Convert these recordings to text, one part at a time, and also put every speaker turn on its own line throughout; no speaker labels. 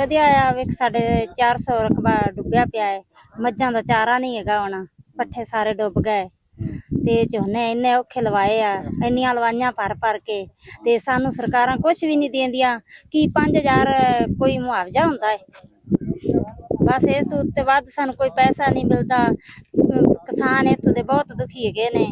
ਵਧੀਆ ਆ। ਵੇਖ ਸਾਡੇ 400 ਰਕਬਾ ਡੁੱਬਿਆ ਪਿਆ ਹੈ। ਮੱਝਾਂ ਦਾ ਚਾਰਾ ਨਹੀਂ ਹੈਗਾ, ਹੁਣ ਪੱਠੇ ਸਾਰੇ ਡੁੱਬ ਗਏ ਤੇ ਝੋਨੇ ਇੰਨੇ ਔਖੇ ਲਵਾਏ ਆ, ਇੰਨੀਆਂ ਲਵਾਈਆਂ ਭਰ ਕੇ ਤੇ ਸਾਨੂੰ ਸਰਕਾਰਾਂ ਕੁਝ ਵੀ ਨਹੀਂ ਦਿੰਦੀਆਂ। ਕੀ 5000 ਕੋਈ ਮੁਆਵਜ਼ਾ ਹੁੰਦਾ ਹੈ? ਬਸ ਇਸ ਤੋਂ ਉੱਤੇ ਵੱਧ ਸਾਨੂੰ ਕੋਈ ਪੈਸਾ ਨਹੀਂ ਮਿਲਦਾ। ਕਿਸਾਨ ਇੱਥੋਂ ਦੇ ਬਹੁਤ ਦੁਖੀ ਹੈਗੇ ਨੇ।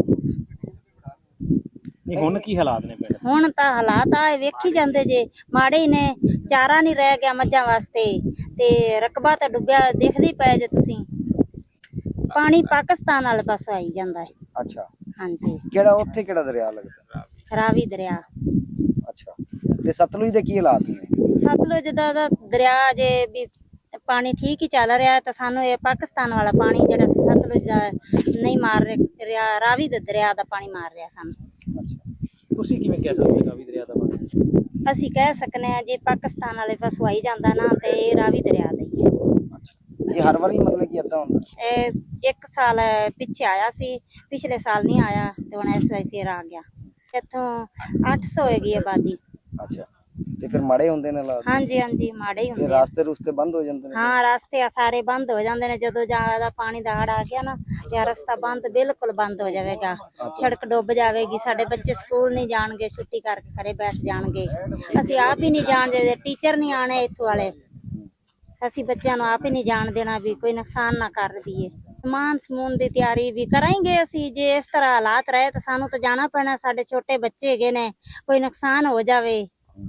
ਹੁਣ ਕੀ ਹਾਲਾਤ ਨੇ ਪਿੰਡ?
ਹੁਣ ਤਾਂ ਹਾਲਾਤ ਆ ਵੇਖੀ ਜਾਂਦੇ ਜੇ, ਮਾੜੇ ਹੀ ਨੇ। ਚਾਰਾ ਨਹੀਂ ਰਹਿ ਗਿਆ ਮੱਝਾਂ ਵਾਸਤੇ ਤੇ ਰਕਬਾ ਤਾਂ ਡੁੱਬਿਆ, ਦੇਖਦੇ ਹੀ ਪਏ ਜੇ ਤੁਸੀਂ। ਪਾਣੀ ਪਾਕਿਸਤਾਨ ਵਾਲੇ ਪਾਸੋਂ ਆਈ ਜਾਂਦਾ ਹੈ।
ਅੱਛਾ,
ਹਾਂਜੀ।
ਕਿਹੜਾ ਉੱਥੇ ਕਿਹੜਾ ਦਰਿਆ ਲੱਗਦਾ?
ਰਾਵੀ ਦਰਿਆ।
ਅੱਛਾ, ਤੇ ਸਤਲੁਜ ਦੇ ਕੀ ਹਾਲਾਤ ਨੇ?
ਸਤਲੁਜ ਦਾ ਦਰਿਆ ਜੇ ਵੀ ਪਾਣੀ ਠੀਕ ਹੀ ਚੱਲ ਰਿਹਾ, ਤਾਂ ਸਾਨੂੰ ਇਹ ਪਾਕਿਸਤਾਨ ਵਾਲਾ ਪਾਣੀ ਜਿਹੜਾ ਸਤਲੁਜ ਦਾ ਨਹੀਂ ਮਾਰ ਰਿਹਾ, ਰਾਵੀ ਦੇ ਦਰਿਆ ਦਾ ਪਾਣੀ ਮਾਰ ਰਿਹਾ ਸਾਨੂੰ।
ਤੁਸੀਂ ਕਿਵੇਂ ਕਹਿ ਸਕਦੇ ਹੋ ਰਾਵੀ ਦਰਿਆ ਦਾ ਪਾਣੀ?
ਅਸੀਂ ਕਹਿ ਸਕਨੇ ਆ ਜੇ ਪਾਕਿਸਤਾਨ ਵਾਲੇ ਪਾਸੋਂ ਆਈ ਜਾਂਦਾ ਨਾ, ਤੇ ਇਹ ਰਾਵੀ ਦਰਿਆ ਦਾ ਹੀ ਹੈ।
ਇਹ ਹਰ ਵਾਰੀ ਮਤਲਬ ਕਿ ਏਦਾਂ ਹੁੰਦਾ?
ਇਹ 1 ਸਾਲ ਪਿੱਛੇ ਆਇਆ ਸੀ, ਪਿਛਲੇ ਸਾਲ ਨਹੀਂ ਆਇਆ ਤੇ ਹੁਣ ਇਸ ਵਾਰ ਫੇਰ ਆ ਗਿਆ। ਇੱਥੋਂ 800 ਹੈਗੀ ਆਬਾਦੀ।
ਅੱਛਾ, ਤੇ ਫਿਰ ਮਾੜੇ ਹੁੰਦੇ ਨੇ ਹਾਲਾਤ?
ਹਾਂਜੀ ਹਾਂਜੀ, ਮਾੜੇ ਹੀ
ਤੇ
ਹੁੰਦੇ ਆ।
ਰਾਸਤੇ ਰੁਸਤੇ ਬੰਦ ਹੋ ਜਾਂਦੇ ਨੇ?
ਹਾਂ, ਰਸਤੇ ਸਾਰੇ ਬੰਦ ਹੋ ਜਾਂਦੇ ਨੇ। ਜਦੋਂ ਜ਼ਿਆਦਾ ਪਾਣੀ ਦਾ ਹੜ ਆ ਗਿਆ ਨਾ, ਤੇ ਰਸਤਾ ਬੰਦ, ਬਿਲਕੁਲ ਬੰਦ ਹੋ ਜਾਵੇਗਾ। ਸੜਕ ਡੁੱਬ ਜਾਵੇਗੀ, ਸਾਡੇ ਬੱਚੇ ਸਕੂਲ ਨਹੀਂ ਜਾਣਗੇ, ਛੁੱਟੀ ਕਰਕੇ ਘਰੇ ਬੈਠ ਜਾਣਗੇ। ਅਸੀਂ ਆਪ ਹੀ ਨਹੀਂ ਜਾਣਦੇ, ਟੀਚਰ ਨਹੀਂ ਆਣੇ ਇੱਥੋਂ ਵਾਲੇ। ਅਸੀਂ ਬੱਚਿਆਂ ਨੂੰ ਆਪ ਹੀ ਨਹੀਂ ਜਾਣ ਦੇਣਾ ਵੀ ਕੋਈ ਨੁਕਸਾਨ ਨਾ ਕਰ ਦਈਏ। ਸਮਾਨ ਸਮੂਨ ਦੀ ਤਿਆਰੀ ਵੀ ਕਰਾਂਗੇ ਅਸੀਂ। ਜੇ ਇਸ ਤਰ੍ਹਾਂ ਹਾਲਾਤ ਰਹੇ ਤਾਂ ਸਾਨੂੰ ਤਾਂ ਜਾਣਾ ਪੈਣਾ। ਸਾਡੇ ਛੋਟੇ ਬੱਚੇ ਹੈਗੇ ਨੇ, ਕੋਈ ਨੁਕਸਾਨ ਹੋ ਜਾਵੇ।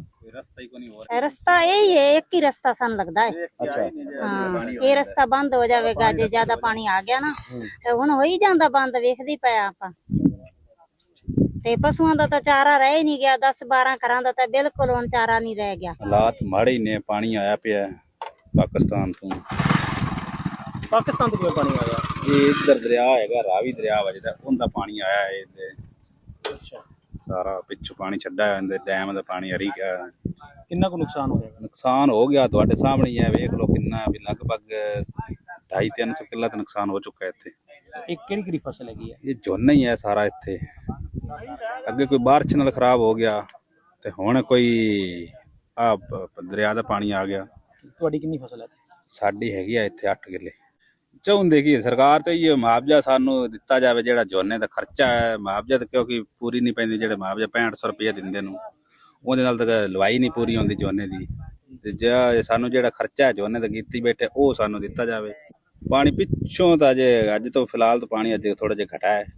ਰਸਤਾ ਇਹੀ ਹੈ, ਇੱਕ ਹੀ ਰਸਤਾ ਸਾਨੂੰ ਲੱਗਦਾ ਹੈ। ਹਾਂ, ਇਹ ਰਸਤਾ ਬੰਦ ਹੋ ਜਾਵੇਗਾ ਜੇ ਜ਼ਿਆਦਾ ਪਾਣੀ ਆ ਗਿਆ ਨਾ। ਤੇ ਹੁਣ ਹੋ ਹੀ ਜਾਂਦਾ ਬੰਦ, ਵੇਖਦੇ ਪਿਆ ਆਪਾਂ। ਤੇ ਪਸ਼ੂਆਂ ਦਾ ਤਾਂ ਚਾਰਾ ਰਹਿ ਹੀ ਨਹੀਂ ਗਿਆ। 10-12 ਘਰਾਂ ਦਾ ਤਾਂ ਬਿਲਕੁਲ ਹੁਣ ਚਾਰਾ ਨਹੀਂ ਰਹਿ ਗਿਆ।
ਹਾਲਾਤ ਮਾੜੇ ਹੀ ਨੇ। ਪਾਣੀ ਆਇਆ ਪਿਆ ਪਾਕਿਸਤਾਨ ਤੋਂ।
ਪਾਕਿਸਤਾਨ ਤੋਂ ਕਿਵੇਂ ਪਾਣੀ ਆ ਗਿਆ?
ਇਹ ਇੱਧਰ ਦਰਿਆ ਹੈਗਾ, ਰਾਵੀ ਦਰਿਆ ਵਜਦਾ, ਉਹਦਾ ਪਾਣੀ ਆਇਆ ਹੈ ਤੇ ਸਾਰਾ ਪਿੱਛੋਂ ਪਾਣੀ ਛੱਡਾ ਹੈ। ਡੈਮ ਦਾ ਪਾਣੀ ਹਰੀ ਗਿਆ।
ਕਿੰਨਾ ਕੁ ਨੁਕਸਾਨ ਹੋ ਗਿਆ?
ਨੁਕਸਾਨ ਹੋ ਗਿਆ, ਤੁਹਾਡੇ ਸਾਹਮਣੇ ਹੀ ਹੈ, ਵੇਖ ਲਓ ਕਿੰਨਾ। ਵੀ ਲਗਭਗ 250-300 ਕਿੱਲਾ ਤਾਂ ਨੁਕਸਾਨ ਹੋ ਚੁੱਕਾ ਇੱਥੇ।
ਇਹ ਕਿਹੜੀ ਫਸਲ ਹੈਗੀ ਹੈ?
ਇਹ ਝੋਨਾ ਹੀ ਹੈ ਸਾਰਾ ਇੱਥੇ। ਅੱਗੇ ਕੋਈ ਬਾਰਿਸ਼ ਨਾਲ ਖਰਾਬ ਹੋ ਗਿਆ ਤੇ ਹੁਣ ਕੋਈ ਆ ਦਰਿਆ ਦਾ ਪਾਣੀ ਆ ਗਿਆ।
ਤੁਹਾਡੀ ਕਿੰਨੀ ਫਸਲ ਹੈ?
ਸਾਡੀ ਹੈਗੀ ਆ ਇੱਥੇ 8 ਕਿੱਲੇ। ਚਾਹੁੰਦੇ ਕੀ ਸਰਕਾਰ ਤੇ ਇਹ ਮੁਆਵਜ਼ਾ ਸਾਨੂੰ ਦਿੱਤਾ ਜਾਵੇ, ਜਿਹੜਾ ਝੋਨੇ ਦਾ ਖਰਚਾ ਹੈ। ਮੁਆਵਜ਼ਾ ਤਾਂ ਕਿਉਂਕਿ ਪੂਰੀ ਨਹੀਂ ਪੈਂਦੀ, ਜਿਹੜੇ ਮੁਆਵਜ਼ਾ 6500 ਰੁਪਏ ਦਿੰਦੇ ਨੂੰ, ਉਹਦੇ ਨਾਲ ਤਾਂ ਲਵਾਈ ਨਹੀਂ ਪੂਰੀ ਹੁੰਦੀ ਝੋਨੇ ਦੀ। ਤੇ ਜੇ ਸਾਨੂੰ ਜਿਹੜਾ ਖਰਚਾ ਹੈ ਝੋਨੇ ਦਾ ਕੀਤੀ ਬੈਠੇ, ਉਹ ਸਾਨੂੰ ਦਿੱਤਾ ਜਾਵੇ। ਪਾਣੀ ਪਿੱਛੋਂ ਤਾਂ ਜੇ ਅੱਜ ਤੋਂ ਫਿਲਹਾਲ ਤਾਂ ਪਾਣੀ ਅੱਜ ਥੋੜਾ ਜਿਹਾ ਘਟਾ ਹੈ,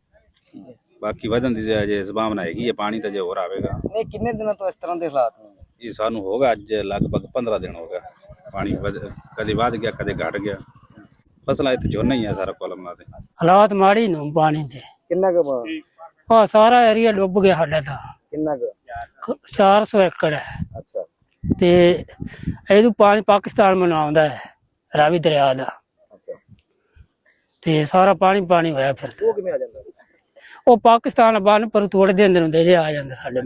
ਬਾਕੀ ਵਧਣ ਦੀ ਜੇ ਸੰਭਾਵਨਾ ਹੈਗੀ ਹੈ। ਪਾਣੀ ਤਾਂ ਜੇ ਹੋਰ ਆਵੇਗਾ।
ਨਹੀਂ, ਕਿੰਨੇ ਦਿਨਾਂ ਤੋਂ ਇਸ ਤਰ੍ਹਾਂ ਦੇ ਹਾਲਾਤ ਨੇ?
ਇਹ ਸਾਨੂੰ ਹੋਗਾ ਅੱਜ ਲਗਭਗ 15 ਦਿਨ ਹੋ ਗਿਆ। ਪਾਣੀ ਕਦੇ ਵੱਧ ਗਿਆ, ਕਦੇ ਘਟ ਗਿਆ। ਫਸਲਾਂ ਇੱਥੇ ਝੋਨਾ ਹੀ ਆ ਸਾਰਾ ਕੋਲਮਾਂ ਦੇ।
ਹਾਲਾਤ ਮਾੜੀ ਨੂੰ ਪਾਣੀ ਦੇ।
ਕਿੰਨਾ ਕੁ
ਆ ਸਾਰਾ ਏਰੀਆ ਡੁੱਬ ਗਿਆ ਸਾਡਾ ਤਾਂ।
ਕਿੰਨਾ ਕੁ?
400 ਏਕੜ ਹੈ।
ਅੱਛਾ,
ਤੇ ਇਹਨੂੰ ਪਾਣੀ ਪਾਕਿਸਤਾਨ ਮਨ ਆਉਂਦਾ ਹੈ, ਰਾਵੀ ਦਰਿਆ ਦਾ।
ਅੱਛਾ,
ਤੇ ਸਾਰਾ ਪਾਣੀ ਹੋਇਆ। ਫਿਰ
ਉਹ ਕਿਵੇਂ ਆ ਜਾਂਦਾ?
ਉਹ ਪਾਕਿਸਤਾਨ ਬੰਨ ਪਰ ਤੋੜਦੇ ਅੰਦਰ ਹੁੰਦੇ ਜੇ ਆ ਜਾਂਦਾ ਸਾਡੇ।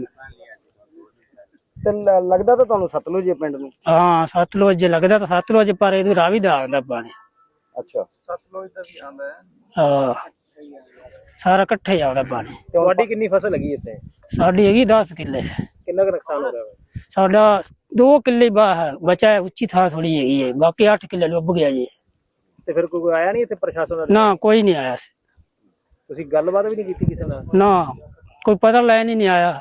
ਤੇ ਲੱਗਦਾ ਤਾਂ ਤੁਹਾਨੂੰ ਸਤਲੁਜ ਪਿੰਡ ਨੂੰ?
ਹਾਂ, ਸਤਲੁਜ ਲੱਗਦਾ ਤਾਂ ਸਤਲੁਜ, ਪਰ ਇਹਨੂੰ ਰਾਵੀ ਦਾ ਆਉਂਦਾ ਪਾਣੀ।
ਅੱਛਾ,
ਸਤਲੁਜ ਦਾ ਵੀ ਆਉਂਦਾ ਹੈ।
ਹਾਂ, ਸਾਰਾ ਇਕੱਠੇ ਆਉਂਦਾ ਪਾਣੀ।
ਤੁਹਾਡੀ ਕਿੰਨੀ ਫਸਲ ਹੈਗੀ ਇੱਥੇ?
ਸਾਡੀ ਹੈਗੀ 10 ਕਿੱਲੇ।
ਕਿੰਨਾ ਕੁ ਨੁਕਸਾਨ ਹੋ ਗਿਆ?
ਸਾਡਾ 2 ਕਿੱਲੇ ਬਚਾ ਹੈ, ਉੱਚੀ ਥਾਂ ਥੋੜੀ ਹੈਗੀ ਹੈ, ਬਾਕੀ 8 ਕਿੱਲੇ ਡੁੱਬ ਗਿਆ ਜੀ।
ਤੇ ਫਿਰ ਕੋਈ ਆਇਆ ਨਹੀਂ ਇੱਥੇ ਪ੍ਰਸ਼ਾਸਨ ਦਾ?
ਨਾ, ਕੋਈ ਨਹੀਂ ਆਇਆ ਸੀ।
ਤੁਸੀਂ ਗੱਲਬਾਤ ਵੀ ਨਹੀਂ ਕੀਤੀ ਕਿਸੇ ਨਾਲ?
ਨਾ, ਕੋਈ ਪਤਾ ਲੈਣ ਹੀ ਨਹੀਂ ਆਇਆ।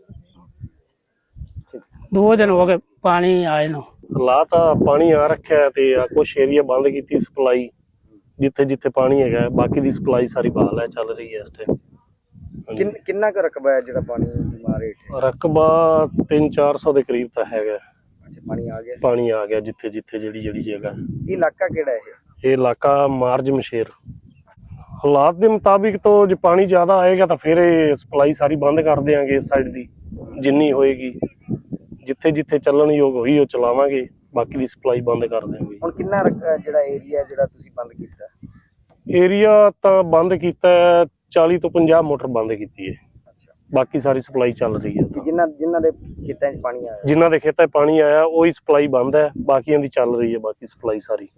2 ਦਿਨ ਹੋ ਗਏ ਪਾਣੀ ਆਏ ਨੂੰ।
ਹਾਲਾਤ ਪਾਣੀ ਆ ਰੱਖਿਆ ਤੇ ਕੁਛ ਏਰੀਆ ਬੰਦ ਕੀਤੀ ਸਪਲਾਈ, ਜਿੱਥੇ ਜਿੱਥੇ ਪਾਣੀ ਹੈਗਾ। ਬਾਕੀ ਦੀ ਸਪਲਾਈ ਸਾਰੀ ਬਹਾਲ ਹੈ, ਚੱਲ ਰਹੀ ਹੈ ਇਸ ਟਾਈਮ।
ਕਿੰਨਾ ਕੁ ਰਕਬਾ ਹੈ ਜਿਹੜਾ ਪਾਣੀ ਮਾਰੇ?
ਰਕਬਾ 300-400 ਦੇ ਕਰੀਬ ਤਾਂ ਹੈਗਾ।
ਅੱਛਾ, ਪਾਣੀ ਆ ਗਿਆ?
ਪਾਣੀ ਆ ਗਿਆ ਜਿੱਥੇ ਜਿੱਥੇ ਜਿਹੜੀ ਜਗ੍ਹਾ।
ਇਹ ਇਲਾਕਾ ਕਿਹੜਾ ਹੈ?
ਇਹ ਇਲਾਕਾ ਮਾਰਜ ਮਸ਼ੇਰ। ਹਾਲਾਤ ਦੇ ਮੁਤਾਬਿਕ ਤੋਂ ਜੇ ਪਾਣੀ ਜ਼ਿਆਦਾ ਆਏਗਾ ਤਾਂ ਫਿਰ ਇਹ ਸਪਲਾਈ ਸਾਰੀ ਬੰਦ ਕਰ ਦਿਆਂਗੇ ਇਸ ਸਾਈਡ ਦੀ, ਜਿੰਨੀ ਹੋਏਗੀ। ਜਿੱਥੇ ਜਿੱਥੇ ਚੱਲਣ ਯੋਗ ਹੋਈ ਉਹ ਚਲਾਵਾਂਗੇ, ਬਾਕੀ ਦੀ ਸਪਲਾਈ ਬੰਦ ਕਰ ਦਿਆਂਗੇ।
ਹੁਣ ਕਿੰਨਾ ਜਿਹੜਾ ਏਰੀਆ ਜਿਹੜਾ ਤੁਸੀਂ ਬੰਦ ਕੀਤਾ?
ਏਰੀਆ ਤਾਂ ਬੰਦ ਕੀਤਾ 40 ਤੋਂ 50 ਮੋਟਰ ਬੰਦ ਕੀਤੀ ਹੈ। ਬਾਕੀ ਸਾਰੀ ਸਪਲਾਈ ਚੱਲ ਰਹੀ ਹੈ।
ਜਿਨ੍ਹਾਂ ਦੇ ਖੇਤਾਂ 'ਚ ਪਾਣੀ ਆਇਆ,
ਜਿਨ੍ਹਾਂ ਦੇ ਖੇਤਾਂ 'ਚ ਪਾਣੀ ਆਇਆ ਉਹੀ ਸਪਲਾਈ ਬੰਦ ਹੈ, ਬਾਕੀਆਂ ਦੀ ਚੱਲ ਰਹੀ ਹੈ ਬਾਕੀ ਸਪਲਾਈ ਸਾਰੀ।